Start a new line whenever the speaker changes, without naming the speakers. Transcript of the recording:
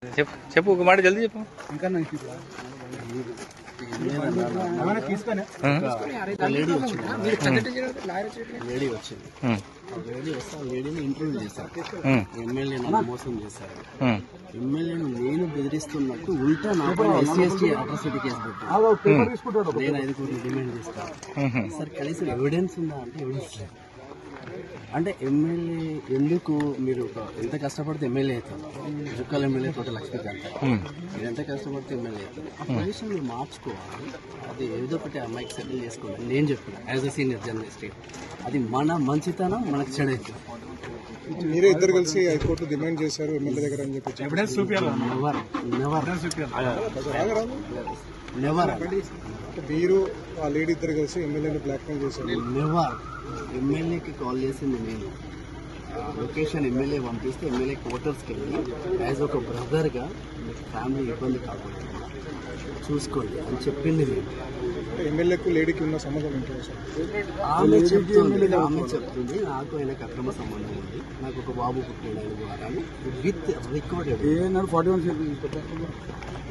చెప్పు చెప్పు ఒక మాట జల్దీ చెప్పు.
ఇంకా లేడీ వచ్చింది. లేడీ వస్తే ఆ లేడీని ఇంటర్వ్యూ చేశారు. ఎమ్మెల్యే నన్ను మోసం చేశారు, ఎమ్మెల్యేను నేను బెదిరిస్తున్నట్టు ఉల్టా నాకు SC/ST అట్రాసిటీ కేసు పెట్టారు. నేను 5 కోట్లు డిమాండ్ చేస్తాను. సార్ కనీసం ఎవిడెన్స్ ఉందా అంటే ఎవిడెన్స్ లేదు. అంటే ఎమ్మెల్యే ఎందుకు మీరు ఎంత కష్టపడితే ఎమ్మెల్యే అవుతారు? జుక్కల ఎమ్మెల్యే తోట లక్ష్మీకాంత్ మీరు ఎంత కష్టపడితే ఎమ్మెల్యే అవుతారు? ఆ పొజిషన్ మీరు మార్చుకోవాలి. అది ఏదో ఒకటి అమ్మాయికి సెటిల్ చేసుకోవాలి. నేను చెప్పిన యాజ్ అ సీనియర్ జర్నలిస్ట్, అది మన మంచితనం మనకు చెడైతుంది.
మీరే ఇద్దరు కలిసి హైకోర్టు డిమాండ్ చేశారు ఎమ్మెల్యే దగ్గర అని చెప్పి
నెవర్
మీరు ఆ లేడీ ఇద్దరు కలిసి ఎమ్మెల్యేని బ్లాక్మెయిల్ చేశారు.
నెవర్. ఎమ్మెల్యేకి కాల్ చేసింది నేను. లొకేషన్ ఎమ్మెల్యే పంపిస్తే ఎమ్మెల్యే క్వార్టర్స్కి వెళ్ళి యాజ్ ఒక బ్రదర్గా ఫ్యామిలీ ఇబ్బంది కాకుండా చూసుకోండి అని చెప్పింది నేను.
ఎమ్మెల్యేకు లేడీకి ఉన్న సంబంధం ఏంటో సార్?
ఆమె చెప్తుంది నాకు ఆయనకు అక్రమ సంబంధం ఉంది, నాకు ఒక బాబు పుట్టిన విత్ రికార్డెడ్.